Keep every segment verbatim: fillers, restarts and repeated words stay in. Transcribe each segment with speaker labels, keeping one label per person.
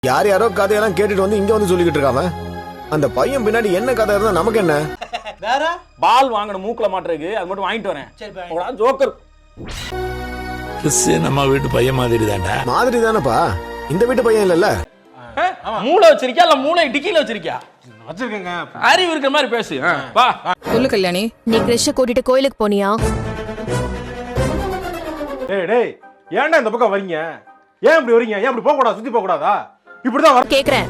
Speaker 1: யார் யாரோ கதையெல்லாம் கேட்டுட்டு வந்து இங்க வந்து சொல்லிக்கிட்டு இருக்காம அந்த பையன் பின்னாடி என்ன கதை இருந்தா நமக்கு என்ன?
Speaker 2: வேற
Speaker 3: பால் வாங்கணும் மூக்குல மாட்டுறதுக்கு, அது மட்டும் வாங்கிட்டு வரேன்.
Speaker 2: சரி
Speaker 3: ஜோக்கர்
Speaker 4: நம்ம வீட்டு பையன் மாதிரி தான்டா.
Speaker 1: மாதிரி தானப்பா, இந்த வீட்டு பையன் இல்லல்ல.
Speaker 3: மூளை வச்சிருக்கியா இல்ல மூளை டிக்கில வச்சிருக்கியா?
Speaker 2: வச்சிருக்கேங்க.
Speaker 3: அறிவு இருக்கிற மாதிரி பேசு. வா
Speaker 5: சொல்லு கல்யாணி.
Speaker 6: நீ கிருஷ்ண கூட்டிட்டு கோயிலுக்கு போனியா?
Speaker 2: டேய் டேய் ஏன்டா இந்த பக்கம் வரீங்க? ஏன் இப்படி வரீங்க? ஏன் இப்படி போக கூடாது? சுத்தி போக கூடாதா? இப்படிதான் வர
Speaker 6: கேக்குறேன்.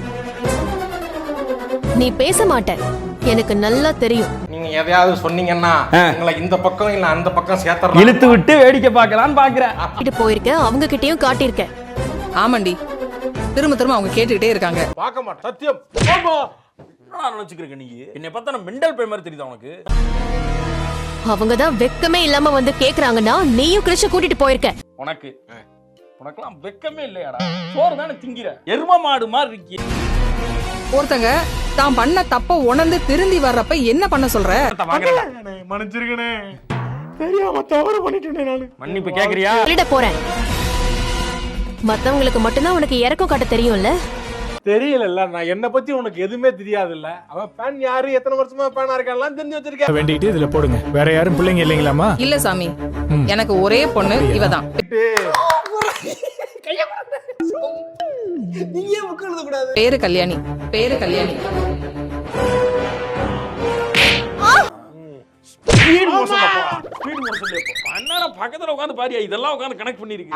Speaker 6: நீ பேச மாட்ட, எனக்கு நல்லா தெரியும்.
Speaker 7: நீங்க எதையாவது சொன்னீங்கன்னா உங்களை இந்த பக்கம் இல்ல அந்த பக்கம் சேர்த்தறேன்.
Speaker 3: இழுத்து விட்டு வேடிக்கை பார்க்கலான்னு பாக்குறேன்.
Speaker 6: கிட்ட போயிருக்க, அவங்க கிட்டயும் காட்டியிருக்க.
Speaker 5: ஆமாண்டி, திரும்ப திரும்ப அவங்க கேட்டுக்கிட்டே இருக்காங்க.
Speaker 2: பார்க்க மாட்டேன் சத்தியம்.
Speaker 3: நான் நினைச்சுக்கிறேன் நீ என்னை பார்த்தா நான் மெண்டல் பே மாதிரி தெரியுதா உனக்கு?
Speaker 6: அவங்கதான் வெக்கமே இல்லாம வந்து கேக்குறாங்கன்னா நீயும் கிருஷ்ண கூட்டிட்டு போயிருக்க.
Speaker 3: உனக்கு உனக்கெல்லாம் வெக்கமே இல்லையாடா? சோறு தானே திங்கிற, எரும மாடு மாதிரி இருக்கி.
Speaker 5: ஒருத்தங்க தான் பண்ண தப்ப உணர்ந்து திருந்தி வர்றப்ப என்ன பண்ண சொல்ற?
Speaker 2: மன்னிச்சிருக்கனே, தெரியாம தவறு பண்ணிட்டேனே நானு.
Speaker 3: மன்னிப்பு கேக்குறியா?
Speaker 6: சொல்லிட போறேன். மத்தவங்களுக்கு மட்டும்தான் உனக்கு இறக்கம் காட்ட தெரியும்ல.
Speaker 2: தெரியல, நான் என்ன பத்தி உனக்கு எதுவுமே தெரியாது இல்ல. அவன் ஃபேன் யாரு, எத்தனை வருஷமா ஃபேனா இருக்கான்லாம் தெரிஞ்சு வச்சிருக்கேன்.
Speaker 8: வேண்டிட்டு இதுல போடுங்க. வேற யாரும் பிள்ளைங்க இல்லைங்களாமா?
Speaker 5: இல்ல சாமி, எனக்கு ஒரே பொண்ணு இவதான். பேரு கல்யாணி. பேரு கல்யாணி.
Speaker 3: ஸ்பீட் மோஷன்ல போ. ஸ்பீட் மோஷன்ல போ. அண்ணா பக்கத்துல உட்கார்ந்து பாரியா, இதெல்லாம் உட்கார்ந்து கனெக்ட் பண்ணிருக்கு.